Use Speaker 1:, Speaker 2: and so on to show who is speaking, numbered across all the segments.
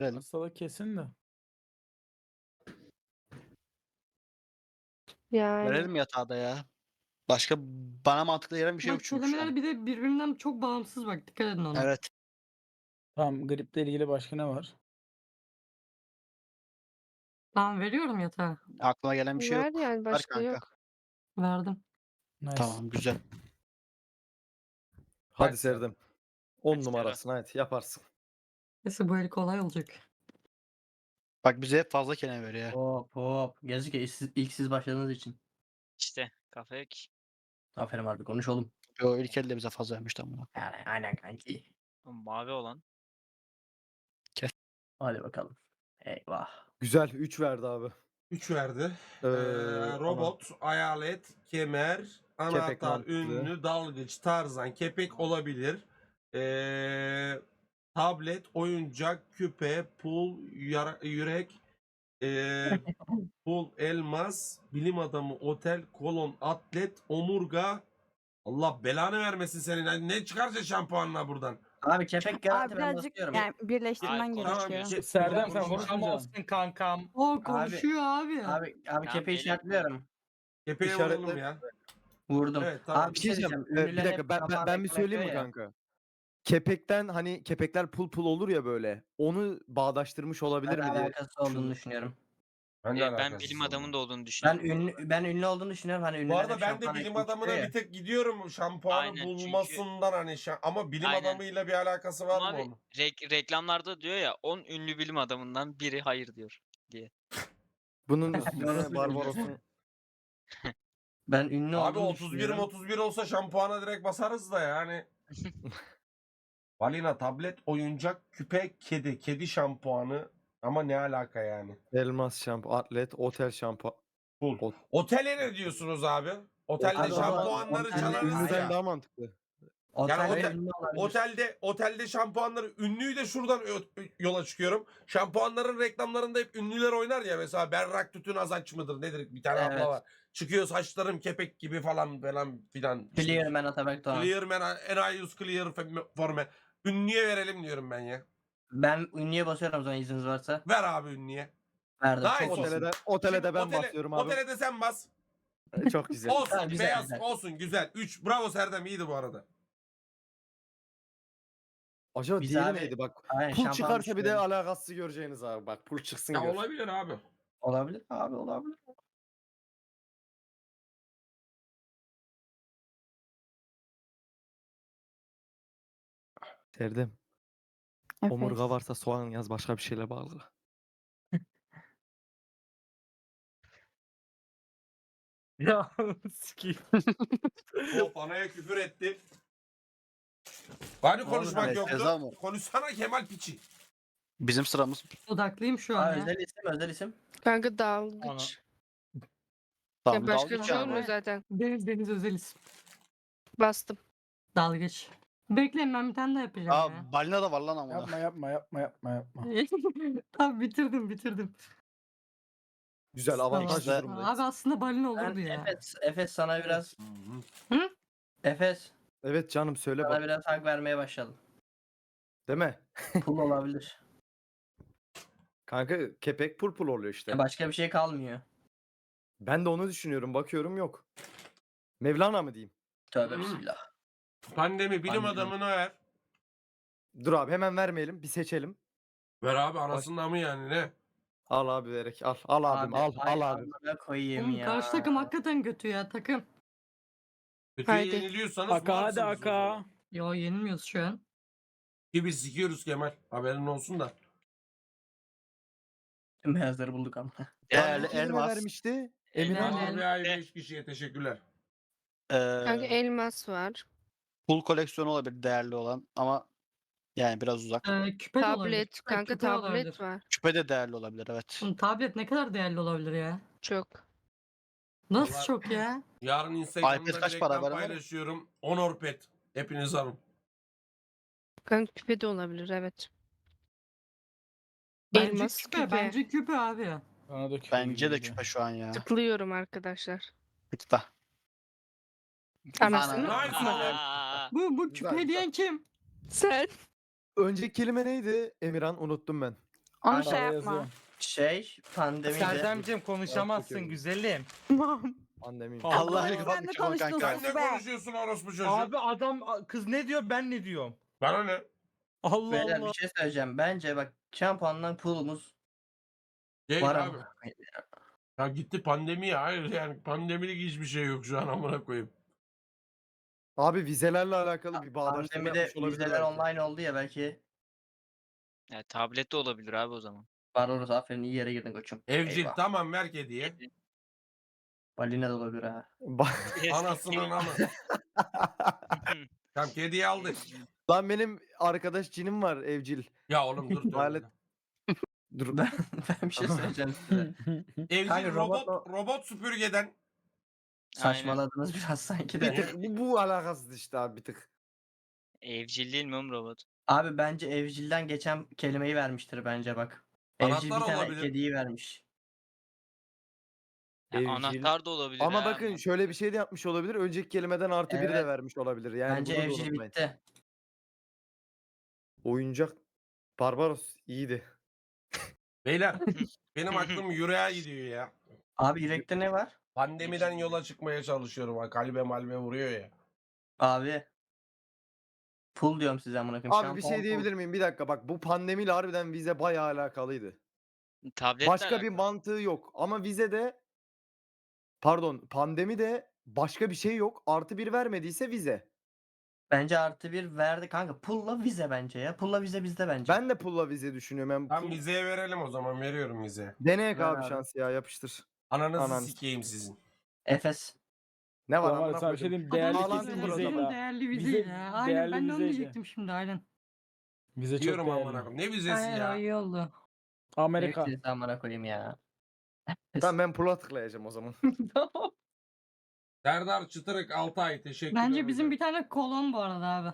Speaker 1: Verelim.
Speaker 2: Hastalık kesin de.
Speaker 3: Yani.
Speaker 1: Verelim yatağı da ya. Başka bana mantıklı gelen bir şey yok
Speaker 4: Bak
Speaker 1: çünkü şu
Speaker 4: kelimeler
Speaker 1: an.
Speaker 4: bir de birbirinden çok bağımsız bak dikkat edin ona.
Speaker 1: Evet.
Speaker 2: Tamam, griple ilgili başka ne var?
Speaker 4: Tamam veriyorum yatağı.
Speaker 1: Aklıma gelen bir şey
Speaker 3: Ver
Speaker 1: yok.
Speaker 3: yani
Speaker 1: Ver
Speaker 3: başka
Speaker 1: kanka.
Speaker 3: yok.
Speaker 4: Verdim.
Speaker 2: Nice.
Speaker 1: Tamam güzel.
Speaker 5: Hadi Serdem. 10
Speaker 6: Hadi
Speaker 5: numarasın hadi yaparsın.
Speaker 4: Neyse bu el kolay olacak.
Speaker 1: Bak bize hep fazla kelime veriyor ya.
Speaker 7: Hop hop. Yazık ya ilk siz başladığınız için.
Speaker 6: İşte kafa yok ki.
Speaker 7: Aferin abi konuş oğlum.
Speaker 1: Yo ilk elde bize fazla vermiş tamam.
Speaker 7: Yani aynen kanki.
Speaker 6: O mavi olan.
Speaker 7: Hadi bakalım. Eyvah.
Speaker 5: Güzel 3 verdi abi.
Speaker 8: 3 verdi.
Speaker 5: Ee,
Speaker 8: Robot, hayalet, kemer, anahtar,
Speaker 5: mantıklı.
Speaker 8: ünlü, dalgıç, tarzan, kepek olabilir. Tablet, oyuncak, küpe, pul, yürek, pul, elmas, bilim adamı, otel, kolon, atlet, omurga. Allah belanı vermesin senin. Yani ne çıkarsa şampuanla buradan.
Speaker 7: Abi kepek garanti
Speaker 9: Abi
Speaker 7: ben
Speaker 9: birazcık
Speaker 7: basıyorum.
Speaker 9: yani birleştirmen
Speaker 6: Ay,
Speaker 8: tamam,
Speaker 9: gerekiyor.
Speaker 2: Serdem sen
Speaker 8: Konuşamazsın
Speaker 2: konuşmayacaksın.
Speaker 6: kankam.
Speaker 4: O konuşuyor abi.
Speaker 7: Abi
Speaker 6: Ya
Speaker 7: kepeği
Speaker 6: benim-
Speaker 7: işaretliyorum.
Speaker 8: Kepeğe
Speaker 5: İşaretle-
Speaker 8: vuralım ya.
Speaker 7: Vurdum.
Speaker 8: Evet, tamam.
Speaker 7: Abi
Speaker 5: Bir şey diyeceğim. Bir
Speaker 7: Ünlüler
Speaker 5: dakika
Speaker 7: hep
Speaker 5: ben
Speaker 7: kapağına
Speaker 5: bir söyleyeyim mi
Speaker 7: ekmek yapıyor ya.
Speaker 5: kanka? Kepekten hani kepekler pul olur ya böyle. Onu bağdaştırmış olabilir
Speaker 7: Ben
Speaker 5: mi diye.
Speaker 7: alakası olduğunu düşünüyorum.
Speaker 8: Ben, de
Speaker 6: Ben
Speaker 8: alakasız
Speaker 6: bilim
Speaker 8: oldum.
Speaker 6: adamının da olduğunu
Speaker 7: Ben
Speaker 6: düşünüyorum.
Speaker 7: ünlü olduğunu düşünüyorum. Hani
Speaker 8: Bu
Speaker 7: ünlüler
Speaker 8: arada
Speaker 7: hep
Speaker 8: ben de
Speaker 7: şampuan
Speaker 8: bilim
Speaker 7: ekmek
Speaker 8: adamına
Speaker 7: çıkıyor ya.
Speaker 8: bir tek gidiyorum şampuanı
Speaker 6: Aynen, çünkü-
Speaker 8: bulmasından hani ama bilim
Speaker 6: Aynen.
Speaker 8: adamıyla bir alakası var
Speaker 6: Ama
Speaker 8: mı
Speaker 6: abi
Speaker 8: onun?
Speaker 6: reklamlarda diyor ya 10 ünlü bilim adamından biri hayır diyor.
Speaker 5: Bunun
Speaker 7: Orası
Speaker 5: üstüne
Speaker 7: bilmiyorum.
Speaker 5: Barbaros'un
Speaker 7: Ben ünlü
Speaker 8: Abi
Speaker 7: olduğunu
Speaker 8: 31
Speaker 7: düşünüyorum.
Speaker 8: 31 olsa şampuana direkt basarız da yani. Balina, tablet, oyuncak, küpe, kedi. Kedi şampuanı ama ne alaka yani?
Speaker 5: elmas şampu, atlet, otel şampu.
Speaker 8: Full. Otele ne diyorsunuz abi? Otelde
Speaker 7: Abi o zaman
Speaker 8: şampuanları
Speaker 7: otelde
Speaker 8: çalarız
Speaker 7: ünlüden
Speaker 8: ya.
Speaker 5: daha mantıklı.
Speaker 7: Otelde
Speaker 8: otel-
Speaker 7: ünlü olabilir.
Speaker 8: Otelde şampuanları ünlüyü de şuradan yola çıkıyorum. Şampuanların reklamlarında hep ünlüler oynar ya mesela Berrak Tütün Azaç mıdır nedir bir tane
Speaker 7: Evet.
Speaker 8: abla var. Çıkıyor saçlarım kepek gibi falan filan.
Speaker 7: Clear Man Atabek Doğan.
Speaker 8: Clear man, and I use clear for men. Ünlüye verelim diyorum ben ya.
Speaker 7: Ben ünlüye basıyorum o zaman izniniz varsa.
Speaker 8: Ver abi ünlüye.
Speaker 7: Verdim.
Speaker 8: Nice
Speaker 7: Çok
Speaker 8: olsun.
Speaker 7: iyisin.
Speaker 5: Otele de
Speaker 8: Şimdi
Speaker 5: ben basıyorum abi.
Speaker 8: Otele de sen bas.
Speaker 5: Çok güzel.
Speaker 8: Olsun
Speaker 7: Ha, güzel,
Speaker 8: beyaz
Speaker 7: güzel.
Speaker 8: olsun güzel. 3 bravo Serdem iyiydi bu arada.
Speaker 5: Acaba
Speaker 7: Biz
Speaker 5: diğeri
Speaker 7: abi-
Speaker 5: neydi bak.
Speaker 7: Aynen,
Speaker 5: Pul
Speaker 7: şampuan
Speaker 5: çıkarsa bir de
Speaker 7: düşünüyorum.
Speaker 5: alakasız göreceğiniz abi. Bak pul çıksın
Speaker 8: Ya
Speaker 5: gör.
Speaker 8: olabilir abi.
Speaker 7: Olabilir abi olabilir.
Speaker 5: Serdem.
Speaker 9: Efes.
Speaker 5: Omurga varsa soğan yaz başka bir şeyle bağlı.
Speaker 2: Ya sikeyim.
Speaker 8: Hop anaya küfür etti. Hani konuşmak
Speaker 1: Evet,
Speaker 8: yoktu?
Speaker 1: ceza mı?
Speaker 8: Konuşsana Kemal piçi.
Speaker 1: Bizim sıramız.
Speaker 4: Odaklıyım şu
Speaker 7: Aa,
Speaker 4: an ya.
Speaker 7: özel isim.
Speaker 3: Kanka dalgıç.
Speaker 1: Tamam
Speaker 3: Ya başka
Speaker 1: daldık
Speaker 3: bir şey
Speaker 1: ya.
Speaker 3: olmuyor zaten.
Speaker 4: Deniz özel isim.
Speaker 3: Bastım.
Speaker 4: Dalgıç. Bekleyin ben bir tane daha yapacağım ya.
Speaker 1: Aa balina da var lan amına.
Speaker 2: Yapma.
Speaker 4: Tamam bitirdim.
Speaker 5: Güzel avantajlı
Speaker 1: İşte-
Speaker 5: durumdayız.
Speaker 4: Abi aslında balina
Speaker 7: Ben
Speaker 4: olurdu ya.
Speaker 7: Efes sana biraz
Speaker 4: Hı?
Speaker 7: Efes
Speaker 5: Evet canım söyle
Speaker 7: sana
Speaker 5: bak.
Speaker 7: biraz hak vermeye başladım.
Speaker 5: Değil mi?
Speaker 7: Pul olabilir.
Speaker 5: Kanka kepek pul oluyor işte.
Speaker 7: Ya başka bir şey kalmıyor.
Speaker 5: Ben de onu düşünüyorum. Bakıyorum yok. Mevlana mı diyeyim?
Speaker 7: Tövbe bismillah.
Speaker 8: Pandemi bilim
Speaker 1: Pandemi.
Speaker 8: adamına ver.
Speaker 5: Dur abi hemen vermeyelim. Bir seçelim.
Speaker 8: Ver abi anasından mı yani ne?
Speaker 5: Al abi vererek al. Al abim al.
Speaker 7: ay
Speaker 5: Al abi.
Speaker 7: amına koyayım
Speaker 4: Oğlum
Speaker 7: ya.
Speaker 4: karşı takım hakikaten kötü ya takım.
Speaker 8: Kötüye
Speaker 3: Haydi.
Speaker 8: yeniliyorsanız
Speaker 2: Aka hadi
Speaker 8: varsınız o zaman.
Speaker 2: aka.
Speaker 4: Yo yenilmiyoruz şu an.
Speaker 8: Ki biz sikiyoruz Kemal. Haberin olsun da.
Speaker 7: Tüm beyazları bulduk ama.
Speaker 1: Değerli
Speaker 5: Kim kime
Speaker 1: elmas.
Speaker 5: vermişti?
Speaker 4: Emirhan.
Speaker 5: Emirhan.
Speaker 8: Abi ay 5 kişiye teşekkürler.
Speaker 3: Kanka elmas var.
Speaker 1: Pul koleksiyonu olabilir değerli olan ama yani biraz uzak.
Speaker 4: Küpe de olabilir.
Speaker 3: Tablet. Kanka
Speaker 4: küpe olabilir.
Speaker 3: tablet var.
Speaker 1: Küpe de değerli olabilir evet.
Speaker 4: Oğlum, tablet ne kadar değerli olabilir ya?
Speaker 3: Çok.
Speaker 4: Nasıl
Speaker 8: Vallahi-
Speaker 4: çok ya?
Speaker 8: Yarın
Speaker 1: iPad
Speaker 8: Instagram'da
Speaker 1: kaç
Speaker 8: bir
Speaker 1: para
Speaker 8: reklam
Speaker 1: ver ama?
Speaker 8: paylaşıyorum. Honor Pet. Hepiniz alın.
Speaker 3: Kanka küpe de olabilir evet.
Speaker 4: Bence
Speaker 3: Elmas
Speaker 4: küpe.
Speaker 3: küpe.
Speaker 4: Bence küpe abi.
Speaker 2: Bana da küpe
Speaker 1: Bence de
Speaker 2: gibi
Speaker 1: küpe şu an ya.
Speaker 3: Tıklıyorum arkadaşlar.
Speaker 1: Tıkla.
Speaker 3: Anasını.
Speaker 8: Nice oğlum.
Speaker 6: Aa,
Speaker 4: Bu
Speaker 5: Güzel,
Speaker 4: küpe diyen kim?
Speaker 3: Sen.
Speaker 5: Önceki kelime neydi? Emirhan unuttum ben.
Speaker 9: Onu
Speaker 7: Kanka,
Speaker 9: şey
Speaker 2: Arada
Speaker 9: yapma.
Speaker 2: yazıyor.
Speaker 7: Pandemide.
Speaker 2: Serdemciğim
Speaker 5: konuşamazsın,
Speaker 2: güzelim.
Speaker 5: Pandemi.
Speaker 1: Allah
Speaker 9: sen
Speaker 1: kapat
Speaker 9: de
Speaker 1: mikrofonu
Speaker 9: konuştun
Speaker 1: kanka.
Speaker 8: Sen ne
Speaker 9: be.
Speaker 8: konuşuyorsun orospu çocuğu?
Speaker 2: adam kız ne diyor ben ne diyorum.
Speaker 8: Bana ne?
Speaker 2: Allah
Speaker 7: Beyler
Speaker 2: Allah.
Speaker 7: bir şey söyleyeceğim. Bence bak şampuandan pool'umuz
Speaker 8: Değil
Speaker 7: var
Speaker 8: abi.
Speaker 7: ama.
Speaker 8: Ya gitti pandemi ya. Hayır yani pandemilik hiçbir şey yok şu an amına koyayım.
Speaker 5: Abi vizelerle alakalı bir bağdaştırma
Speaker 7: Pandemide
Speaker 5: yapmış olabilir
Speaker 7: vizeler
Speaker 5: belki.
Speaker 7: online oldu ya belki.
Speaker 6: Ya tablet de olabilir abi o zaman.
Speaker 7: Var orası, aferin, iyi yere girdin koçum.
Speaker 8: Evcil
Speaker 7: Eyvah.
Speaker 8: tamam ver hediye.
Speaker 7: Balina da olabilir ha.
Speaker 8: Anasının amı. Tamam kediyi aldık.
Speaker 5: Lan benim arkadaş cinim var evcil.
Speaker 8: Ya oğlum dur.
Speaker 5: Alet- Dur.
Speaker 7: Ben bir şey söyleyeceğim size.
Speaker 8: Evcil
Speaker 7: Kanka,
Speaker 8: robot süpürgeden.
Speaker 7: Saçmaladınız biraz sanki
Speaker 5: Bir
Speaker 7: de.
Speaker 5: tık bu alakasız işte abi bir tık.
Speaker 6: Evcil değil mi oğlum robot?
Speaker 7: Abi bence evcilden geçen kelimeyi vermiştir bence bak. Evcil bir
Speaker 8: Anahtar
Speaker 7: tane
Speaker 8: olabilir.
Speaker 7: kediyi vermiş.
Speaker 6: Ya
Speaker 5: Evcil.
Speaker 6: anahtar da olabilir
Speaker 5: Ama
Speaker 6: ha.
Speaker 5: bakın şöyle bir şey de yapmış olabilir. Önceki kelimeden artı bir de
Speaker 7: Evet.
Speaker 5: vermiş olabilir. Yani
Speaker 7: Bence
Speaker 5: bunu da
Speaker 7: evcil
Speaker 5: unutmayın.
Speaker 7: bitti.
Speaker 5: Oyuncak Barbaros iyiydi.
Speaker 8: Beyler benim aklım yüreğe gidiyor ya.
Speaker 7: Abi yürekte ne var?
Speaker 8: Pandemiden yola çıkmaya çalışıyorum. Ha, kalbe malbe vuruyor ya.
Speaker 7: Abi. Full diyorum size amına koyayım.
Speaker 5: Abi bir
Speaker 7: Şampuan
Speaker 5: şey diyebilir miyim? Bir dakika bak bu pandemiyle harbiden vize bayağı alakalıydı.
Speaker 6: Tabletle
Speaker 5: Başka bir
Speaker 6: alakalı.
Speaker 5: mantığı yok. Ama vizede pardon pandemi de başka bir şey yok. Artı bir vermediyse vize.
Speaker 7: Bence artı bir verdi kanka. Pulla vize bence ya. Pulla vize bizde bence.
Speaker 5: Ben de pulla vize düşünüyorum. Ben
Speaker 8: Tam
Speaker 5: pull...
Speaker 8: vizeye verelim o zaman. Veriyorum vizeye.
Speaker 5: Deneyek
Speaker 7: Ver
Speaker 5: abi
Speaker 7: abi.
Speaker 5: şans ya yapıştır.
Speaker 8: Ananızı
Speaker 5: Ananı
Speaker 8: sikeyim sizin.
Speaker 7: Efes.
Speaker 5: Ne var
Speaker 2: Ulan var ya,
Speaker 5: amına
Speaker 2: sana bir şey
Speaker 5: koydum.
Speaker 2: diyeyim. Değerli
Speaker 5: Bağlantı
Speaker 2: kesin
Speaker 5: kuralım.
Speaker 2: vizeydi ha.
Speaker 4: Değerli
Speaker 2: Vize-
Speaker 4: vizeydi ya. Aynen
Speaker 2: değerli
Speaker 4: ben de onu
Speaker 2: vizeydi.
Speaker 4: diyecektim şimdi aynen.
Speaker 2: Vize çok
Speaker 8: Diyorum amına
Speaker 2: değerli.
Speaker 8: koyayım. Ne vizesi
Speaker 4: Aynen
Speaker 8: ya?
Speaker 4: iyi oldu.
Speaker 2: Amerika.
Speaker 7: Hepsini amına koyayım ya.
Speaker 5: Tamam ben pulla tıklayacağım o zaman.
Speaker 8: Serdar Çıtırık 6 ay teşekkürler.
Speaker 4: Bence bizim
Speaker 8: hocam.
Speaker 4: bir tane kolon bu arada abi.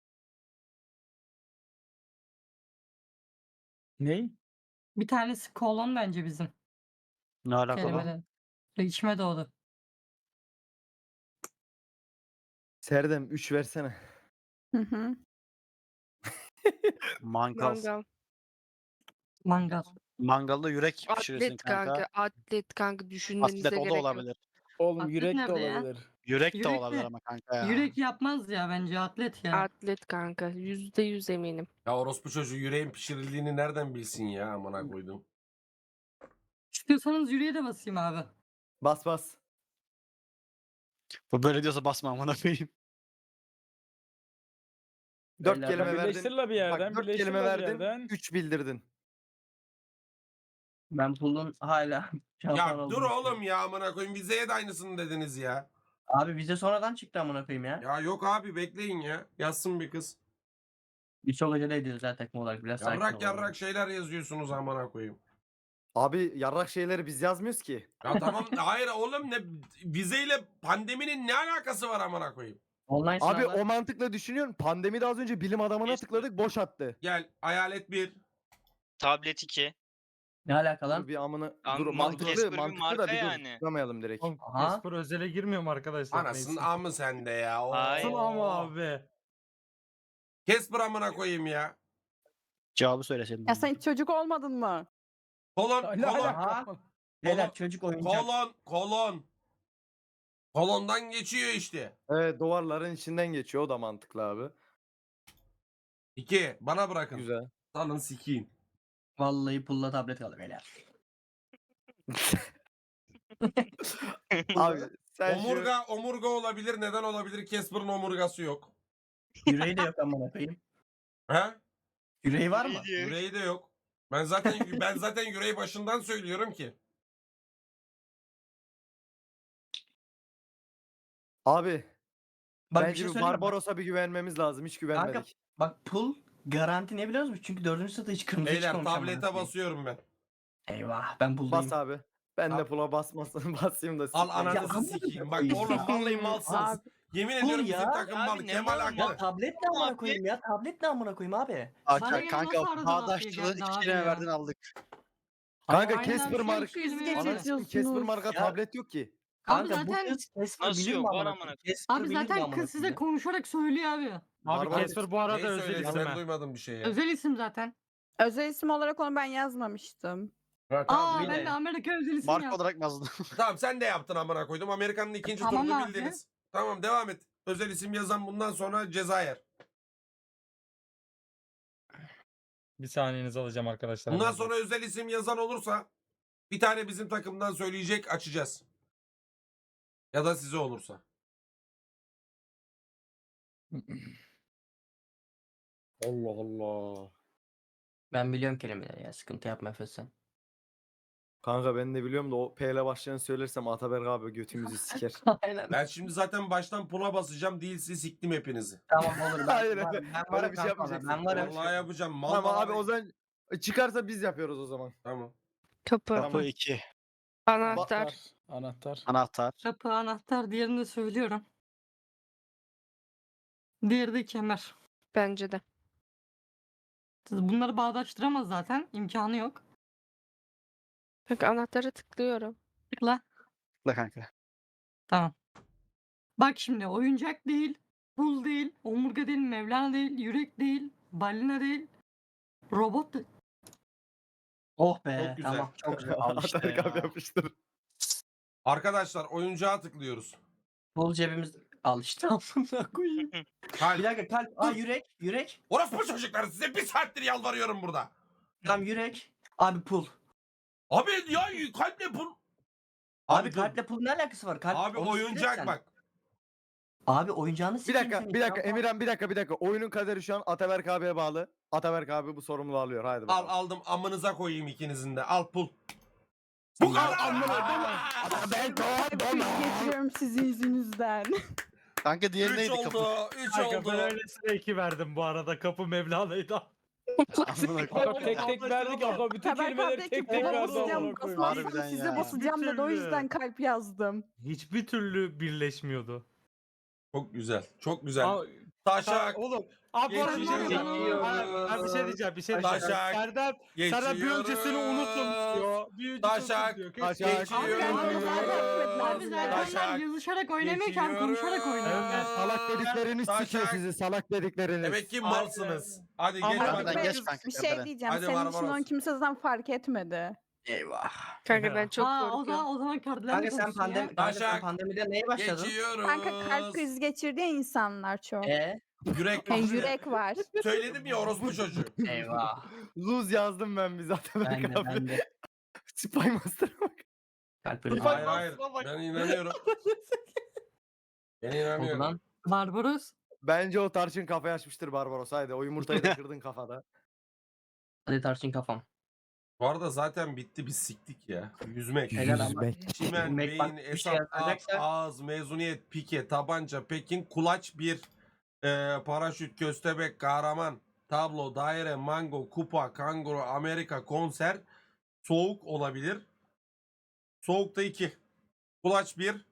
Speaker 2: Ney?
Speaker 4: Bir tanesi kolon bence bizim
Speaker 1: Ne alakalı?
Speaker 4: kelimede. İçime doğdu.
Speaker 5: Serdem 3 versene.
Speaker 9: Hı hı.
Speaker 1: Mangal.
Speaker 3: Mangal.
Speaker 4: Mangal.
Speaker 1: Mangalda yürek pişirirsin
Speaker 3: Atlet kanka. Atlet kanka. Düşünmenize
Speaker 1: Atlet o da
Speaker 3: gerek yok.
Speaker 1: olabilir.
Speaker 2: Oğlum
Speaker 4: Atlet
Speaker 2: yürek de
Speaker 4: nerede ya?
Speaker 2: olabilir.
Speaker 1: Yürek de
Speaker 4: Yürek
Speaker 1: olabilir
Speaker 4: de-
Speaker 1: ama kanka ya.
Speaker 4: Yürek yapmaz ya bence atlet ya.
Speaker 3: Atlet kanka. %100 eminim.
Speaker 8: Ya orospu çocuğu yüreğin pişirildiğini nereden bilsin ya amına koydum.
Speaker 4: İstiyorsanız yüreğe de basayım abi.
Speaker 5: Bas bas.
Speaker 1: Bu böyle diyorsa basma amına koyayım.
Speaker 5: 4
Speaker 7: Beyler,
Speaker 5: kelime
Speaker 7: bak
Speaker 5: verdin.
Speaker 2: Birleştir la bir yerden.
Speaker 5: Bak 4
Speaker 2: birleştir
Speaker 5: kelime
Speaker 2: la bir
Speaker 5: verdin.
Speaker 2: yerden.
Speaker 5: 3 bildirdin.
Speaker 7: Ben pullun hala şampuan
Speaker 8: Ya dur
Speaker 7: olduğunu düşünüyorum.
Speaker 8: oğlum ya amına koyayım. Vizeye de aynısını dediniz ya.
Speaker 7: Abi vize sonradan çıktı amına koyayım ya.
Speaker 8: Ya yok abi bekleyin ya. Yazsın bir kız.
Speaker 7: Biz çok acele ediyoruz zaten takım olarak. Biraz sakin
Speaker 8: Yarrak
Speaker 7: olalım.
Speaker 8: yarrak şeyler yazıyorsunuz amına koyayım.
Speaker 5: Abi yarrak şeyleri biz yazmıyoruz ki.
Speaker 8: Ya tamam hayır oğlum ne vizeyle pandeminin ne alakası var amına koyayım?
Speaker 7: Online
Speaker 5: Abi
Speaker 7: sınavlar.
Speaker 5: o mantıkla düşünüyorum. Pandemide az önce bilim adamına
Speaker 6: Yes.
Speaker 5: tıkladık boş attı.
Speaker 8: Gel hayalet 1.
Speaker 6: Tablet 2.
Speaker 7: Ne alaka
Speaker 5: Dur
Speaker 7: lan?
Speaker 5: bir amına
Speaker 6: Lan
Speaker 5: dur
Speaker 6: Casper bir
Speaker 5: mantıklı
Speaker 6: marka
Speaker 5: da bir dur
Speaker 6: yani.
Speaker 5: tıklamayalım direkt.
Speaker 7: Aha.
Speaker 2: Casper özele girmiyor mu arkadaşlar?
Speaker 8: Anasının amı sende ya. Oo.
Speaker 6: Hayır.
Speaker 2: ama abi.
Speaker 8: Casper amına koyayım ya.
Speaker 1: Cevabı söyleseydin.
Speaker 9: Ya sen hiç çocuk olmadın mı?
Speaker 8: Kolon
Speaker 2: Ne
Speaker 8: kolon
Speaker 2: alaka?
Speaker 7: Beyler çocuk oyuncak.
Speaker 8: kolon. Kolondan geçiyor işte.
Speaker 5: Evet duvarların içinden geçiyor o da mantıklı abi.
Speaker 8: 2 bana bırakın.
Speaker 5: Güzel.
Speaker 8: Salın sikeyim.
Speaker 7: Vallahi pulla tablet kaldı beyler.
Speaker 5: Abi sen şu
Speaker 8: Omurga olabilir. Neden olabilir? Casper'ın omurgası yok.
Speaker 7: Yüreği de yok amına koyayım.
Speaker 8: He?
Speaker 7: Yüreği var mı?
Speaker 8: Yüreği de yok. Ben zaten yüreği başından söylüyorum ki.
Speaker 5: abi
Speaker 7: Bak bir
Speaker 5: bence
Speaker 7: şey
Speaker 5: bir
Speaker 7: söyleyeyim mi?
Speaker 5: Barbaros'a bir güvenmemiz lazım. Hiç güvenmedik.
Speaker 7: Bak pull garanti ne biliyor musun? Çünkü 4. sırada hiç kırmızı
Speaker 8: Beyler
Speaker 7: çıkmamış amına
Speaker 8: tablete
Speaker 7: koyayım.
Speaker 8: basıyorum ben.
Speaker 7: Eyvah ben pulldayım.
Speaker 5: Bas abi. Ben de
Speaker 8: Abi.
Speaker 5: pula basmasın basayım da.
Speaker 8: Al
Speaker 5: sikeyim.
Speaker 8: ananızı
Speaker 7: amına
Speaker 8: sikeyim. Bak
Speaker 7: koyayım.
Speaker 8: oğlum vallahi malsınız.
Speaker 7: Abi,
Speaker 8: Yemin
Speaker 7: Dur
Speaker 8: ediyorum
Speaker 7: ya.
Speaker 8: bizim takım
Speaker 6: Abi
Speaker 8: mal.
Speaker 6: ne
Speaker 8: Kemal
Speaker 6: mal
Speaker 7: Ya
Speaker 8: haklı.
Speaker 7: tablet ne amına koyayım ya? Tablet ne amına koyayım abi?
Speaker 4: Bana
Speaker 1: Kanka,
Speaker 4: göre
Speaker 1: kanka
Speaker 4: nasıl arada
Speaker 1: bağdaşçılığın
Speaker 4: lafı
Speaker 1: 2
Speaker 4: geldi
Speaker 1: kelime
Speaker 4: abi
Speaker 1: verdin
Speaker 4: ya?
Speaker 1: aldık.
Speaker 5: Kanka
Speaker 4: Aynen
Speaker 5: Casper
Speaker 4: abi,
Speaker 5: marka.
Speaker 4: şu kelime
Speaker 9: Siz
Speaker 4: yazıyor.
Speaker 5: Anasını Casper marka
Speaker 7: Ya.
Speaker 5: tablet yok ki.
Speaker 4: Abi
Speaker 7: Kanka bu
Speaker 4: zaten
Speaker 7: kız Casper
Speaker 6: Nasıl
Speaker 7: bilir
Speaker 6: yok?
Speaker 7: mi
Speaker 6: Var
Speaker 7: amına
Speaker 6: amına
Speaker 7: koyayım? Casper
Speaker 4: abi
Speaker 7: bilir mi
Speaker 4: zaten
Speaker 7: amına
Speaker 4: kız size
Speaker 7: koyayım?
Speaker 4: konuşarak söylüyor abi.
Speaker 2: Abi
Speaker 5: Barbaros.
Speaker 2: Casper bu arada
Speaker 8: Neyi
Speaker 2: özel
Speaker 8: söyledin?
Speaker 2: isim
Speaker 8: Ben
Speaker 2: ha.
Speaker 8: duymadım bir şey ya.
Speaker 4: Özel isim zaten.
Speaker 9: Özel isim olarak onu ben yazmamıştım.
Speaker 8: Ha, tamam,
Speaker 4: Aa
Speaker 8: bildin.
Speaker 4: ben de Amerika özel isim
Speaker 1: Marka
Speaker 4: yaptım.
Speaker 1: olarak yazdım.
Speaker 8: Tamam sen de yaptın amına koydum. Amerika'nın ikinci
Speaker 4: Tamam
Speaker 8: turunu
Speaker 4: abi.
Speaker 8: bildiniz. Tamam devam et. Özel isim yazan bundan sonra ceza yer.
Speaker 2: Bir saniyenizi alacağım arkadaşlar.
Speaker 8: Bundan sonra özel isim yazan olursa bir tane bizim takımdan söyleyecek, açacağız. Ya da size olursa.
Speaker 5: Allah Allah.
Speaker 7: Ben biliyorum kelimeleri ya. Sıkıntı yapma Efe sen.
Speaker 5: Kanka ben de biliyorum da o P ile başlayanı söylersem Ataberk abi götümüzü siker.
Speaker 7: Aynen.
Speaker 8: Ben şimdi zaten baştan pula basacağım. Değilse siktim hepinizi.
Speaker 7: Tamam olur. Ben
Speaker 5: Hayır,
Speaker 7: varım. Ben
Speaker 5: öyle
Speaker 7: varım
Speaker 5: bir şey
Speaker 7: kanka,
Speaker 5: yapmayacaksın.
Speaker 7: Ben varım.
Speaker 8: Vallahi yapacağım. Mal
Speaker 5: Tamam
Speaker 8: mal
Speaker 5: abi o zaman çıkarsa biz yapıyoruz o zaman.
Speaker 8: Tamam.
Speaker 3: Kapı.
Speaker 1: Kapı 2.
Speaker 3: Anahtar.
Speaker 2: Anahtar.
Speaker 1: Anahtar.
Speaker 4: Kapı, anahtar, diğerini de söylüyorum. Diğeri de kemer.
Speaker 3: Bence de.
Speaker 4: Bunları bağdaştıramaz zaten. İmkanı yok.
Speaker 3: Bak anahtara tıklıyorum.
Speaker 4: Tıkla.
Speaker 1: La kanka.
Speaker 4: Tamam. Bak şimdi oyuncak değil, pul değil, omurga değil, Mevlana değil, yürek değil, balina değil, robot değil.
Speaker 7: Oh be.
Speaker 8: Çok güzel.
Speaker 7: Tamam. Çok güzel. Al işte
Speaker 5: Ataberk abi
Speaker 7: ya.
Speaker 5: yapıştır.
Speaker 8: Arkadaşlar oyuncağa tıklıyoruz.
Speaker 7: Bul cebimiz. Al işte. Amına koyayım. Bir
Speaker 8: Kalp.
Speaker 7: dakika kalp. Aa yürek. Yürek.
Speaker 8: Orospu çocuklar size bir saattir yalvarıyorum burada.
Speaker 7: Tamam yürek. Abi pul.
Speaker 8: Abi ya kalple pul.
Speaker 7: Abi
Speaker 8: dur.
Speaker 7: kalple pul ne alakası var? Kalp,
Speaker 8: Abi
Speaker 7: onu
Speaker 8: oyuncak
Speaker 7: sikeceksen.
Speaker 8: bak.
Speaker 7: Abi oyuncağını
Speaker 5: Bir
Speaker 7: sikeyim
Speaker 5: dakika,
Speaker 7: senin.
Speaker 5: bir dakika.
Speaker 7: Tamam.
Speaker 5: Emirhan bir dakika. Oyunun kaderi şu an Ataberk abiye bağlı. Ataberk abi bu sorumluluğu alıyor. Haydi
Speaker 8: Al
Speaker 5: bakalım.
Speaker 8: aldım amınıza koyayım ikinizin de. Al pul. Bu kadar.
Speaker 5: Ataberk
Speaker 9: Kriz geçiriyorum sizin yüzünüzden.
Speaker 1: Kanka diğeri
Speaker 8: 3
Speaker 1: neydi kapı?
Speaker 8: oldu. 3
Speaker 2: Kanka
Speaker 8: oldu.
Speaker 2: ben öylesine 2 verdim bu arada. Kapı Mevlana'ydı.
Speaker 1: Amına koyayım.
Speaker 2: Kanka tek tek verdik ama bütün
Speaker 9: Taberk abi
Speaker 2: kelimeleri
Speaker 9: de ki
Speaker 2: tek tek
Speaker 9: buna
Speaker 2: verdi.
Speaker 9: basacağım.
Speaker 2: amına koyayım.
Speaker 9: Basmazsam
Speaker 1: Harbiden
Speaker 9: size
Speaker 1: ya.
Speaker 9: basacağım dedi. O
Speaker 2: Bir
Speaker 9: yüzden
Speaker 2: türlü.
Speaker 9: kalp yazdım.
Speaker 2: Hiçbir türlü birleşmiyordu.
Speaker 8: Çok güzel. Çok güzel.
Speaker 2: Aa,
Speaker 8: Taşak.
Speaker 2: Oğlum. Abi bu arada bir şey diyeceğim.
Speaker 7: Geçiyoruz.
Speaker 2: Ben bir şey diyeceğim. Bir şey
Speaker 8: Taşak.
Speaker 2: diyeceğim. Serdar bir öncesini unutun diyor. Bir öncesini
Speaker 8: Taşak.
Speaker 2: unutun diyor.
Speaker 5: Taşak.
Speaker 8: Geçiyoruz.
Speaker 4: Abi zaten yazışarak oynamıyorken konuşarak oynuyor.
Speaker 2: Evet.
Speaker 5: Salak dediklerini
Speaker 8: Taşak.
Speaker 5: sikiyor sizi. Salak dedikleriniz.
Speaker 8: Demek ki malsınız. Hadi geç
Speaker 2: Ama
Speaker 1: Harbiden
Speaker 8: bakalım.
Speaker 1: geç kanka.
Speaker 9: Bir şey
Speaker 1: tepeden.
Speaker 9: diyeceğim.
Speaker 8: Hadi
Speaker 9: Senin için
Speaker 8: Barbaros.
Speaker 9: onu kimse zaten fark etmedi.
Speaker 7: Eyvah.
Speaker 3: Kanka ben çok
Speaker 4: Aa,
Speaker 3: korkuyorum.
Speaker 4: o zaman kardiler
Speaker 7: Kanka sen pandemi,
Speaker 8: Taşak.
Speaker 7: pandemide neye başladın?
Speaker 8: Geçiyoruz.
Speaker 9: Kanka kalp krizi geçirdi ya insanlar çok.
Speaker 8: Yürek.
Speaker 9: Yürek var.
Speaker 8: Söyledim ya orospu çocuğu.
Speaker 7: Eyvah.
Speaker 5: Lose yazdım ben bize Ataberk
Speaker 7: Ben de
Speaker 5: abi.
Speaker 7: ben de.
Speaker 5: Spy Master'a bak.
Speaker 7: Kalp ölü.
Speaker 8: Hayır hayır. Ben inanıyorum. Ben
Speaker 7: Oldu
Speaker 8: inanıyorum.
Speaker 7: lan.
Speaker 4: Barbaros.
Speaker 5: Bence o tarçın kafayı açmıştır Barbaros. Haydi o yumurtayı da kırdın kafada.
Speaker 7: Hadi tarçın kafam.
Speaker 8: Bu arada zaten bitti biz siktik ya. Yüzmek.
Speaker 7: Helal ama.
Speaker 8: Çimen,
Speaker 7: Yüzmek bak,
Speaker 8: beyin,
Speaker 7: bir şey
Speaker 8: hesap,
Speaker 7: yazacaksa-
Speaker 8: ağız, mezuniyet, pike, tabanca, pekin, kulaç, bir, paraşüt, köstebek, kahraman, tablo, daire, mango, kupa, kanguru, Amerika, konser, soğuk olabilir. Soğukta 2. Kulaç 1.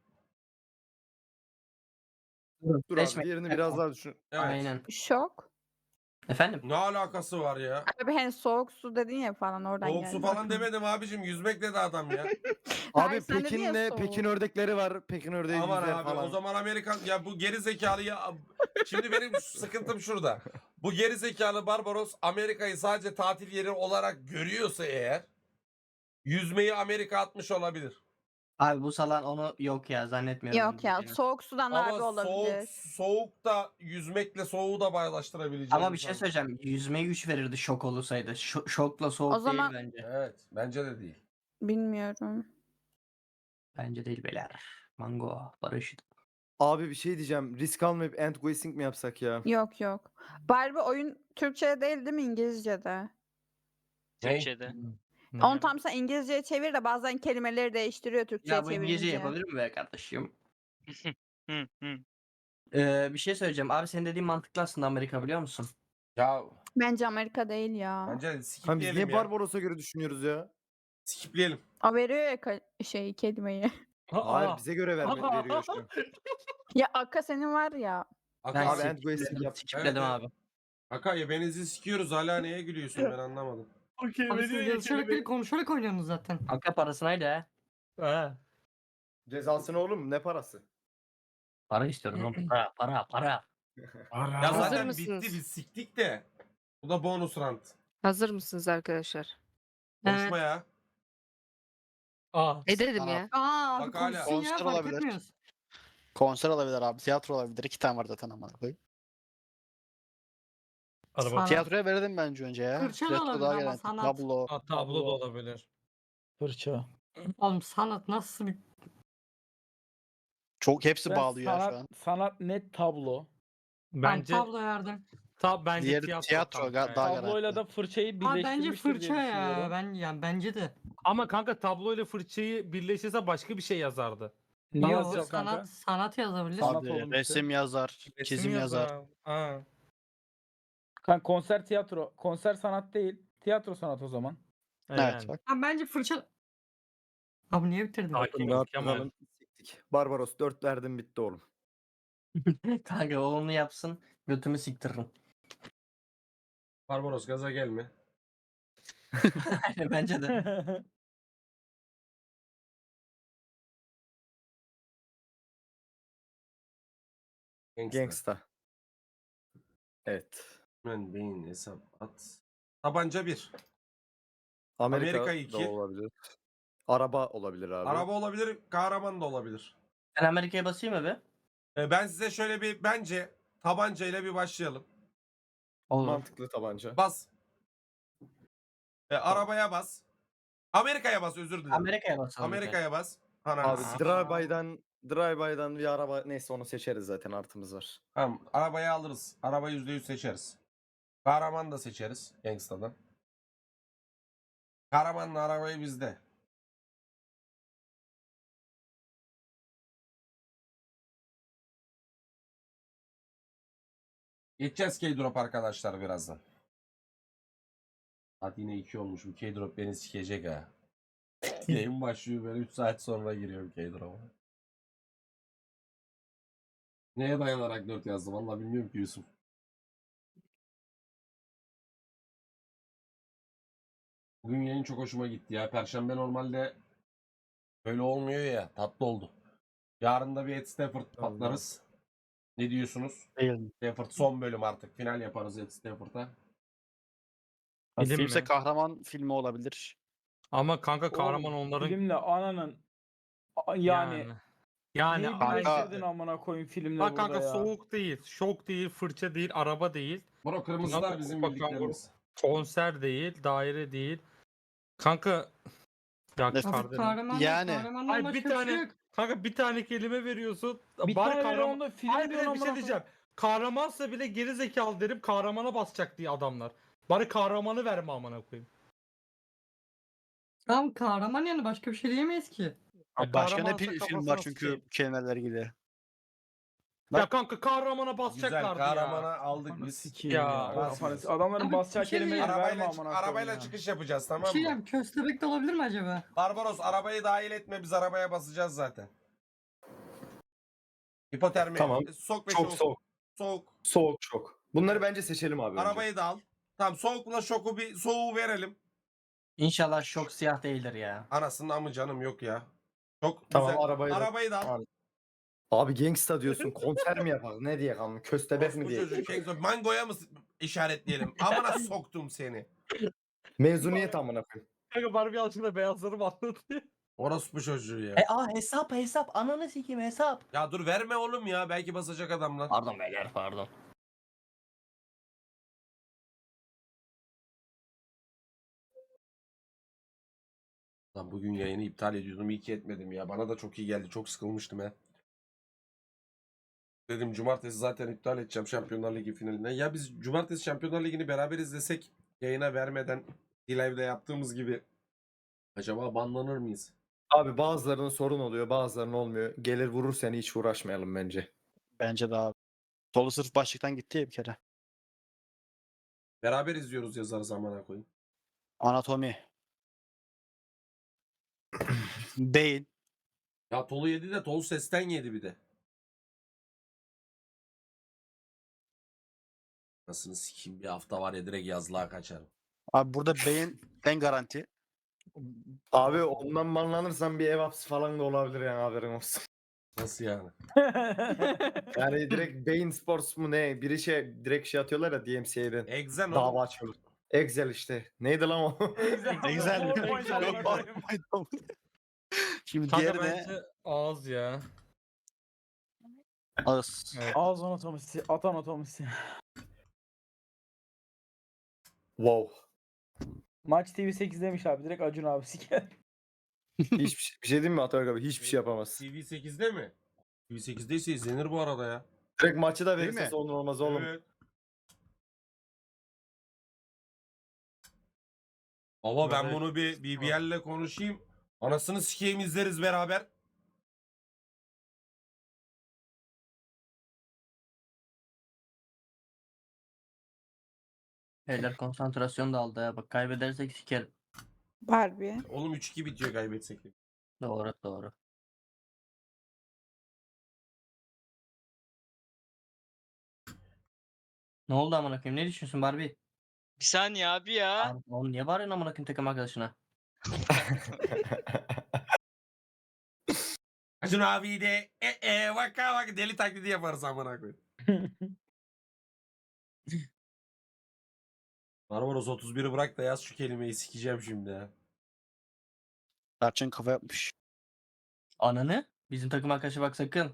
Speaker 5: Dur abi
Speaker 7: Seçme.
Speaker 5: diğerini biraz daha düşün.
Speaker 8: Evet.
Speaker 7: Aynen.
Speaker 9: Şok.
Speaker 7: Efendim?
Speaker 8: Ne alakası var ya?
Speaker 9: Abi hani soğuk su dedin ya falan oradan
Speaker 8: Soğuk
Speaker 9: geldi.
Speaker 8: su falan demedim abicim. Yüzmek dedi adam ya.
Speaker 9: Hayır,
Speaker 5: Abi
Speaker 9: sen dedin ya
Speaker 5: Pekin'le
Speaker 9: soğuk.
Speaker 5: Pekin ördekleri var. Pekin ördeği
Speaker 8: Aman
Speaker 5: yüzer
Speaker 8: abi
Speaker 5: falan.
Speaker 8: o zaman Amerikan ya bu geri zekalı ya. Şimdi benim sıkıntım şurada. Bu geri zekalı Barbaros Amerika'yı sadece tatil yeri olarak görüyorsa eğer yüzmeyi Amerika atmış olabilir.
Speaker 7: Abi bu salan onu yok ya zannetmiyorum.
Speaker 9: Yok ya soğuk sudan abi
Speaker 8: Ama
Speaker 9: olabilir.
Speaker 8: soğuk da yüzmekle soğuğu da bağdaştırabileceğim.
Speaker 7: Ama bir şey söyleyeceğim. Yüzmeyi 3 verirdi şok olursaydı. Şokla soğuk
Speaker 9: O zaman-
Speaker 7: değil bence.
Speaker 8: Evet bence de değil.
Speaker 9: Bilmiyorum.
Speaker 7: Bence değil beyler. Mango, barış.
Speaker 5: Abi bir şey diyeceğim. Risk almayıp end guessing mi yapsak ya?
Speaker 9: Yok yok. Barbie oyun Türkçe'de değil değil mi İngilizce'de?
Speaker 6: Türkçe'de.
Speaker 9: Onu tam sen İngilizce'ye çevir de bazen kelimeleri değiştiriyor Türkçe'ye
Speaker 7: Ya bu İngilizce
Speaker 9: çevirince.
Speaker 7: yapabilir mi be kardeşim?
Speaker 6: Hı hı.
Speaker 7: Bir şey söyleyeceğim. Abi senin dediğin mantıklı aslında Amerika biliyor musun?
Speaker 8: Ya
Speaker 9: Bence Amerika değil ya.
Speaker 8: bence
Speaker 5: Ha, biz
Speaker 8: skipleyelim
Speaker 5: niye
Speaker 8: ya.
Speaker 5: Barbaros'a göre düşünüyoruz ya?
Speaker 8: Skipleyelim.
Speaker 9: O veriyor ya kelimeyi.
Speaker 5: Hayır bize göre veriyor şu an.
Speaker 9: Ya Akka senin var ya.
Speaker 7: Ben
Speaker 5: Abi end guessing
Speaker 7: skipledim,
Speaker 5: yap.
Speaker 7: skipledim
Speaker 8: Evet,
Speaker 7: abi.
Speaker 8: Akaya benizi sikiyoruz hala neye gülüyorsun ben anlamadım.
Speaker 2: Okey
Speaker 4: Abi siz
Speaker 2: veriyor ya
Speaker 4: yazışarak değil
Speaker 2: kelimeyi.
Speaker 4: konuşarak oynuyorsunuz zaten.
Speaker 7: Hakka parasınaydı ha.
Speaker 2: Ha.
Speaker 5: Cezası ne oğlum? Ne parası?
Speaker 7: Para istiyorum oğlum. Para.
Speaker 8: Ya
Speaker 3: Hazır
Speaker 8: zaten
Speaker 3: mısınız?
Speaker 8: bitti biz siktik de. Bu da bonus rant.
Speaker 3: Hazır mısınız arkadaşlar?
Speaker 8: Konuşma
Speaker 4: Evet.
Speaker 8: ya.
Speaker 2: Aa.
Speaker 3: Dedim
Speaker 1: Sanat.
Speaker 3: ya.
Speaker 4: Aa abi
Speaker 8: Bak hala.
Speaker 4: konuşsun ya
Speaker 1: Konser
Speaker 4: fark
Speaker 1: olabilir.
Speaker 4: etmiyoruz.
Speaker 1: Konser olabilir abi. Tiyatro olabilir. 2 tane var zaten amına koyayım.
Speaker 2: Araba.
Speaker 4: Sanat.
Speaker 1: Tiyatroya verelim bence önce ya.
Speaker 4: Fırça da
Speaker 1: Tiyatro
Speaker 4: olabilir
Speaker 1: daha
Speaker 4: ama
Speaker 1: garanti.
Speaker 4: sanat.
Speaker 1: Tablo.
Speaker 2: Aa, tablo da olabilir.
Speaker 10: Fırça.
Speaker 4: Oğlum sanat nasıl bir...
Speaker 1: Çok hepsi
Speaker 10: Ben
Speaker 1: bağlıyor ya şu an.
Speaker 10: sanat net tablo.
Speaker 2: Bence
Speaker 4: Tablo verdim.
Speaker 2: bence
Speaker 1: Diğeri
Speaker 2: tiyatro,
Speaker 1: tiyatro
Speaker 2: kanka
Speaker 1: daha
Speaker 2: ya.
Speaker 1: garanti.
Speaker 10: Tabloyla da fırçayı
Speaker 4: Aa bence
Speaker 10: birleştirmiştir diye
Speaker 4: fırça ya.
Speaker 10: düşünüyorum.
Speaker 4: Ben yani bence de.
Speaker 2: Ama kanka tabloyla fırçayı birleştirse başka bir şey yazardı.
Speaker 10: Ne
Speaker 4: Yo,
Speaker 10: yazacağız kanka?
Speaker 4: sanat yazabilir.
Speaker 10: Sanat
Speaker 1: Abi
Speaker 10: oğlum işte.
Speaker 1: resim yazar, çizim yazar.
Speaker 2: Ha.
Speaker 10: Kanka konser tiyatro. Konser sanat değil. Tiyatro sanat o zaman.
Speaker 1: Evet
Speaker 2: Yani.
Speaker 1: bak.
Speaker 4: Ha, bence fırça... Abi niye bitirdin?
Speaker 2: Sakin ol
Speaker 5: Rahat
Speaker 2: Kemal.
Speaker 5: duralım, siktik. Barbaros 4 verdim bitti oğlum.
Speaker 7: Kanka o onu yapsın. Götümü siktiririm.
Speaker 8: Barbaros gaza gelme.
Speaker 7: Aynen bence de.
Speaker 8: Gangsta.
Speaker 5: Gangsta. Evet.
Speaker 8: Ben beyin hesap at. Tabanca 1.
Speaker 5: Amerika,
Speaker 8: Amerika
Speaker 5: da
Speaker 8: 2.
Speaker 5: olabilir. Araba olabilir abi.
Speaker 8: Araba olabilir, kahraman da olabilir.
Speaker 7: Ben Amerika'ya basayım mı be?
Speaker 8: Ben size şöyle bir bence tabancayla bir başlayalım.
Speaker 7: Olur.
Speaker 5: Mantıklı tabanca.
Speaker 8: Bas. Arabaya bas. Amerika'ya bas, özür dilerim.
Speaker 7: Amerika'ya basalım.
Speaker 8: Amerika'ya bas. Ananı
Speaker 5: Abi
Speaker 8: sikeyim.
Speaker 5: drive-by'dan bir araba neyse onu seçeriz zaten artımız var.
Speaker 8: Tamam, arabayı alırız. Arabayı %100 seçeriz. Kahraman da seçeriz Gangsta'dan. Kahramanla arabayı bizde. Geçeceğiz K-Drop arkadaşlar birazdan. Saat yine 2 olmuş. Bu K-Drop beni sikecek ha. Yayın başlıyor, ben 3 saat sonra giriyorum K-Drop'a. Neye dayanarak 4 yazdım? Vallahi bilmiyorum ki Yusuf. Bugün yayın çok hoşuma gitti ya. Perşembe normalde böyle olmuyor ya. Tatlı oldu. Yarın da bir Ed Stafford patlarız. Ne diyorsunuz?
Speaker 1: Değil mi?
Speaker 8: Stafford son bölüm artık. Final yaparız Ed Stafford'a.
Speaker 2: Film
Speaker 1: Filmse
Speaker 2: mi?
Speaker 1: kahraman filmi olabilir.
Speaker 2: Ama kanka kahraman
Speaker 10: Oğlum,
Speaker 2: onların
Speaker 10: Filmle ananın yani
Speaker 2: yani
Speaker 10: neyi
Speaker 1: kanka-
Speaker 10: birleştirdin amına koyayım filmle
Speaker 2: bak
Speaker 10: burada
Speaker 2: kanka
Speaker 10: ya.
Speaker 2: soğuk değil, şok değil, fırça değil, araba değil,
Speaker 8: Bro kırmızılar
Speaker 2: Kanka,
Speaker 8: bizim
Speaker 2: bak,
Speaker 8: bildiklerimiz.
Speaker 2: konser değil, daire değil. Kanka ya
Speaker 1: Ne-
Speaker 2: kardeşim.
Speaker 4: Kahraman
Speaker 1: Yani.
Speaker 4: kahramandan
Speaker 2: Ay
Speaker 4: başka
Speaker 2: bir
Speaker 4: bir şey
Speaker 2: tane
Speaker 4: yok.
Speaker 2: kanka bir tane kelime veriyorsun.
Speaker 10: Bir
Speaker 2: bari
Speaker 10: tane
Speaker 2: kahraman.
Speaker 10: onda film
Speaker 2: Hayır bir
Speaker 10: diyorsun
Speaker 2: de bir şey
Speaker 10: amına
Speaker 2: diyeceğim. Kahramansa bile geri zekalı derim, kahramana basacak diye adamlar. Bari kahramanı verme amına koyayım.
Speaker 4: Tamam kahraman yani başka bir şey diyemeyiz ki.
Speaker 1: Abi başka ne
Speaker 2: kahramansa
Speaker 1: film
Speaker 2: kafasına
Speaker 1: var çünkü
Speaker 2: sıçayım.
Speaker 1: kelimeler ilgili.
Speaker 2: Ya kanka kahramana
Speaker 8: Güzel
Speaker 2: basacaklardı ya.
Speaker 8: kahramana aldık
Speaker 10: Kafanı
Speaker 8: biz.
Speaker 10: sikeyim
Speaker 2: Ya,
Speaker 10: ya.
Speaker 8: basmıyoruz.
Speaker 10: Adamların
Speaker 4: Abi,
Speaker 10: basacağı
Speaker 4: bir şey
Speaker 10: kelimeyi
Speaker 4: diyeceğim.
Speaker 10: verme
Speaker 8: Arabayla,
Speaker 10: amına koyayım
Speaker 8: arabayla
Speaker 10: ya.
Speaker 8: çıkış yapacağız
Speaker 4: Bir
Speaker 8: tamam
Speaker 4: şey
Speaker 8: mı?
Speaker 4: diyeyim köstebek de olabilir mi acaba?
Speaker 8: Barbaros arabayı dahil etme, biz arabaya basacağız zaten. Hipotermi.
Speaker 5: Tamam.
Speaker 8: Sok ve
Speaker 5: Çok
Speaker 8: şok.
Speaker 5: soğuk.
Speaker 8: Soğuk.
Speaker 5: Soğuk çok. Bunları bence seçelim abi önce.
Speaker 8: Arabayı da al. Tamam, soğukla şoku bir soğuğu verelim.
Speaker 7: İnşallah şok siyah değildir ya.
Speaker 8: Anasının amı canım yok ya. Çok
Speaker 5: Tamam,
Speaker 8: güzel.
Speaker 5: arabayı da-
Speaker 8: da al.
Speaker 5: Abi gangsta diyorsun konser mi yapalım ne diye kalmış köstebek mi
Speaker 8: Bu
Speaker 5: diye.
Speaker 8: çocuk Mango'ya mı işaretleyelim? Amına soktum seni.
Speaker 5: Mezuniyet amına koyayım.
Speaker 2: Kanka Barbie alçıkla beyazlarım anlatıyor.
Speaker 8: Orospu çocuğu ya.
Speaker 7: Hesap ananı sikeyim hesap.
Speaker 8: Ya dur verme oğlum ya. Belki basacak adamlar.
Speaker 7: Pardon beyler pardon.
Speaker 8: Lan bugün yayını iptal ediyordum. İyi ki etmedim ya. Bana da çok iyi geldi. Çok sıkılmıştım ya. Dedim cumartesi zaten iptal edeceğim Şampiyonlar Ligi finalinden. Ya biz cumartesi Şampiyonlar Ligi'ni beraber izlesek yayına vermeden live'de yaptığımız gibi acaba banlanır mıyız?
Speaker 5: Abi bazılarının sorun oluyor bazılarının olmuyor. Gelir vurur seni hiç uğraşmayalım bence.
Speaker 1: Bence de abi. Solu sırf başlıktan gitti ya bir kere.
Speaker 8: Beraber izliyoruz yazarız amına koyayım.
Speaker 1: Anatomi. Beyin.
Speaker 8: Ya Tolu yedi de Tolu sesten yedi bir de. Nasıl sikeyim bir hafta var ya direkt yazlığa kaçarım.
Speaker 1: Abi burada beyin en garanti.
Speaker 5: Abi ondan banlanırsan bir ev hapsi falan da olabilir yani haberin olsun.
Speaker 8: Nasıl yani?
Speaker 5: Yani direkt Bein Sports mu ne? Biri direkt atıyorlar ya DMCA'den.
Speaker 8: Exen
Speaker 5: Dava
Speaker 8: oğlum.
Speaker 5: açıyorlar. Excel işte. Neydi lan o?
Speaker 1: Excel mi?
Speaker 10: PowerPoint
Speaker 1: Yok,
Speaker 10: amına koyayım.
Speaker 1: PowerPoint. Şimdi
Speaker 2: Kanka
Speaker 1: diğeri ne?
Speaker 2: bence ağız ya.
Speaker 1: Ağız.
Speaker 2: Evet.
Speaker 10: Ağız anatomisi, at anatomisi.
Speaker 5: Wow.
Speaker 10: Maç TV 8 demiş abi. Direkt Acun abi siker.
Speaker 5: Hiçbir şey, bir şey diyeyim mi Atabek abi? Hiçbir şey yapamaz.
Speaker 8: TV8'de mi? TV8'deyse izlenir bu arada ya.
Speaker 5: Direkt maçı da
Speaker 1: Değil
Speaker 5: verirse
Speaker 1: mi?
Speaker 5: sorun olmaz oğlum.
Speaker 8: Evet. Baba ben
Speaker 2: Evet.
Speaker 8: bunu bir BBL'le konuşayım. Anasını sikeyim izleriz beraber.
Speaker 7: Beyler konsantrasyon dağıldı ya. Bak kaybedersek sikerim.
Speaker 9: Barbie.
Speaker 8: Oğlum 3-2 bitiyor kaybetsek. de.
Speaker 7: Doğru doğru. Ne oldu amına koyayım? Ne düşünüyorsun Barbie?
Speaker 6: Bir saniye abi ya.
Speaker 7: Abi, oğlum niye bağırıyorsun amına koyayım takım arkadaşına?
Speaker 8: Acun abi de vaka vaka deli taklidi yaparız amına koyayım. Barbaros 31'i bırak da yaz şu kelimeyi sikeceğim şimdi ya.
Speaker 1: Tarçın kafa yapmış.
Speaker 7: Ananı? Bizim takım arkadaşı bak sakın.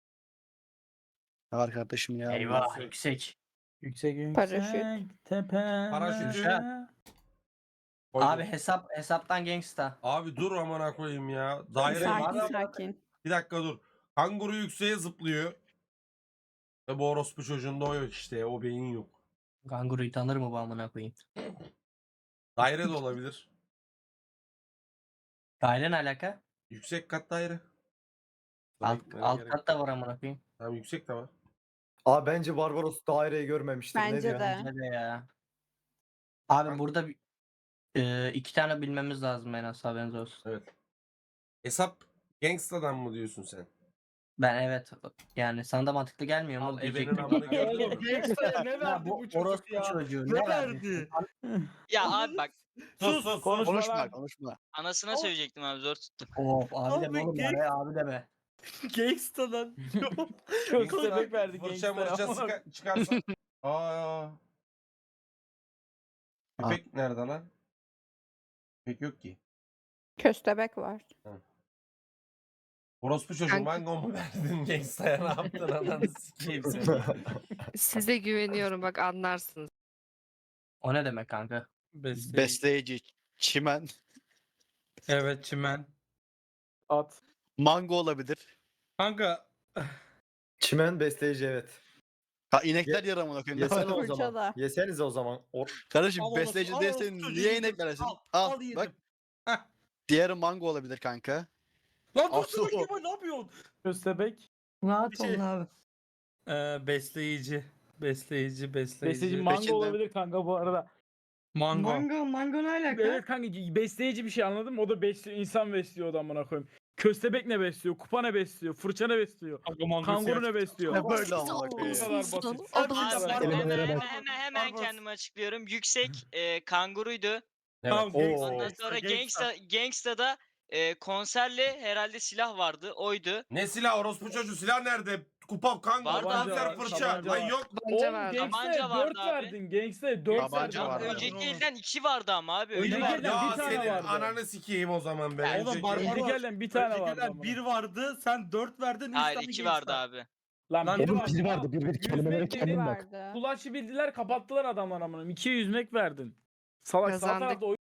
Speaker 1: Ne var kardeşim ya?
Speaker 7: Eyvah yüksek.
Speaker 10: Yüksek
Speaker 9: Paraşüt.
Speaker 10: yüksek tepe.
Speaker 8: Paraşüt.
Speaker 7: Abi
Speaker 8: Koydum.
Speaker 7: hesaptan gangsta.
Speaker 8: Abi dur amına koyayım ya. Daire
Speaker 9: Sakin sakin.
Speaker 8: bir dakika dur. Kanguru yükseğe zıplıyor. Ve bu orospu çocuğunda o yok işte. O beyin yok.
Speaker 7: Kanguruyu tanır mı bu amına koyayım?
Speaker 8: Daire de olabilir.
Speaker 7: Daire ne alaka?
Speaker 8: Yüksek kat daire. Sana
Speaker 7: Alt,
Speaker 8: gitmene
Speaker 7: alt
Speaker 8: gerek
Speaker 7: kat da var amına koyayım.
Speaker 8: yok. Tamam yüksek de var.
Speaker 5: Abi bence Barbaros daireyi görmemiştir. Ne
Speaker 9: Bence
Speaker 5: diyor?
Speaker 9: de.
Speaker 7: Bence de ya. Abi
Speaker 8: Kanka-
Speaker 7: burada 2 tane bilmemiz lazım en az haberiniz olsun.
Speaker 8: Evet. Hesap gangstadan mı diyorsun sen?
Speaker 7: Ben evet yani sana da mantıklı gelmiyor mu?
Speaker 8: Al ebenin
Speaker 7: Diyecektim.
Speaker 8: amını gördün mü?
Speaker 2: Gangsta'ya ne
Speaker 7: Ya
Speaker 2: verdi
Speaker 7: bu
Speaker 2: bu çocuk
Speaker 7: orospu
Speaker 2: ya?
Speaker 7: çocuğu
Speaker 2: Ne
Speaker 7: ne
Speaker 2: verdi?
Speaker 6: Ya abi bak
Speaker 8: Sus sus.
Speaker 10: Konuş.
Speaker 1: Konuşma konuşma.
Speaker 6: anasına söyleyecektim abi zor tuttum.
Speaker 7: Of abi deme
Speaker 2: Abi
Speaker 7: oğlum bari abi deme.
Speaker 2: Gangsta'dan.
Speaker 10: Köstebek verdi
Speaker 8: Fırça
Speaker 10: gangster.
Speaker 8: mırça çıkarsa. Aa. Köpek nerede lan? Köpek yok ki.
Speaker 9: Köstebek var.
Speaker 8: Orospu çocuğu
Speaker 3: Kanka-
Speaker 8: mango mu verdin gangstaya ne yaptın ananı sikeyim seni.
Speaker 3: Size güveniyorum bak anlarsınız.
Speaker 7: O ne demek kanka?
Speaker 1: Besleyici. Çimen.
Speaker 2: Evet çimen.
Speaker 10: At.
Speaker 1: Mango olabilir.
Speaker 2: Kanka
Speaker 5: Çimen besleyici evet.
Speaker 1: Ha inekler yaramına koyayım.
Speaker 5: Yesene o
Speaker 9: Fırça
Speaker 5: zaman.
Speaker 9: da.
Speaker 5: Yesenize o zaman.
Speaker 1: Kardeşim
Speaker 2: Al
Speaker 1: besleyici
Speaker 2: orospu- al
Speaker 1: değilsen
Speaker 2: orospu
Speaker 1: niye
Speaker 2: çocuğu
Speaker 1: inekler yesin?
Speaker 2: Al,
Speaker 1: Al,
Speaker 2: al yedim.
Speaker 1: bak.
Speaker 2: Heh.
Speaker 1: Diğeri mango olabilir kanka.
Speaker 2: Lan
Speaker 1: Al,
Speaker 2: dur dur
Speaker 1: su.
Speaker 2: Kemal ne yapıyorsun?
Speaker 10: Köstebek.
Speaker 4: Rahat
Speaker 2: Bir şey-
Speaker 4: olun abi.
Speaker 2: Besleyici. Besleyici.
Speaker 10: Besleyici mango
Speaker 1: Peşinden.
Speaker 10: olabilir kanka bu arada.
Speaker 2: Mango.
Speaker 4: Mango ne alaka?
Speaker 10: Evet kanka besleyici bir şey anladın mı? O da besliyor, insan besliyor o da amına koyayım. Köstebek ne besliyor? Kupa ne besliyor? Fırça ne besliyor?
Speaker 2: Kanka mango
Speaker 10: Kanguru
Speaker 2: siyah.
Speaker 10: ne besliyor?
Speaker 1: Ne böyle amına
Speaker 10: Bu
Speaker 1: koyayım.
Speaker 10: kadar basit.
Speaker 2: Abi,
Speaker 6: Hemen
Speaker 2: Barbaros.
Speaker 6: kendimi açıklıyorum. Yüksek kanguruydu.
Speaker 8: Evet.
Speaker 2: Tamam,
Speaker 5: Oo.
Speaker 2: gangsta,
Speaker 6: Ondan sonra
Speaker 2: gangsta.
Speaker 6: Gangsta'da konserle herhalde silah vardı. Oydu.
Speaker 8: Ne silah orospu çocuğu silah nerede? Kupa kanka
Speaker 6: Vardı abi,
Speaker 8: kanser
Speaker 10: var,
Speaker 8: fırça.
Speaker 10: tabanca
Speaker 8: Lan
Speaker 10: var.
Speaker 8: yok.
Speaker 3: Tabanca
Speaker 10: Oğlum
Speaker 3: var.
Speaker 6: Tabanca
Speaker 10: Gangster'e
Speaker 6: vardı
Speaker 10: 4
Speaker 6: abi.
Speaker 10: verdin. Gangster'e 4
Speaker 1: Tabanca
Speaker 10: verdin.
Speaker 1: vardı.
Speaker 6: Önceki elden 2 vardı ama abi.
Speaker 10: Önceki
Speaker 6: Öyle
Speaker 10: elden
Speaker 6: vardı.
Speaker 10: bir
Speaker 8: Ya
Speaker 10: tane
Speaker 8: senin
Speaker 10: vardı.
Speaker 8: ananı sikeyim o zaman ben.
Speaker 2: Oğlum
Speaker 8: Önceki-
Speaker 2: Barbaros.
Speaker 10: Önceki elden bir tane vardı.
Speaker 2: Öncekiler
Speaker 10: amına.
Speaker 2: 1 vardı. Sen 4 verdin. üç
Speaker 6: Hayır
Speaker 2: tane
Speaker 6: 2
Speaker 2: gangsta.
Speaker 6: vardı abi.
Speaker 10: Lan
Speaker 2: Lan
Speaker 10: biri
Speaker 2: oğlum,
Speaker 10: vardı.
Speaker 2: biri
Speaker 10: vardı. Bir kelimelere
Speaker 9: Biri vardı.
Speaker 10: Kulaşı bildiler kapattılar adamlar amına. 2'ye yüzmek verdin. Salak sağ
Speaker 3: Kazandık.
Speaker 10: tarafta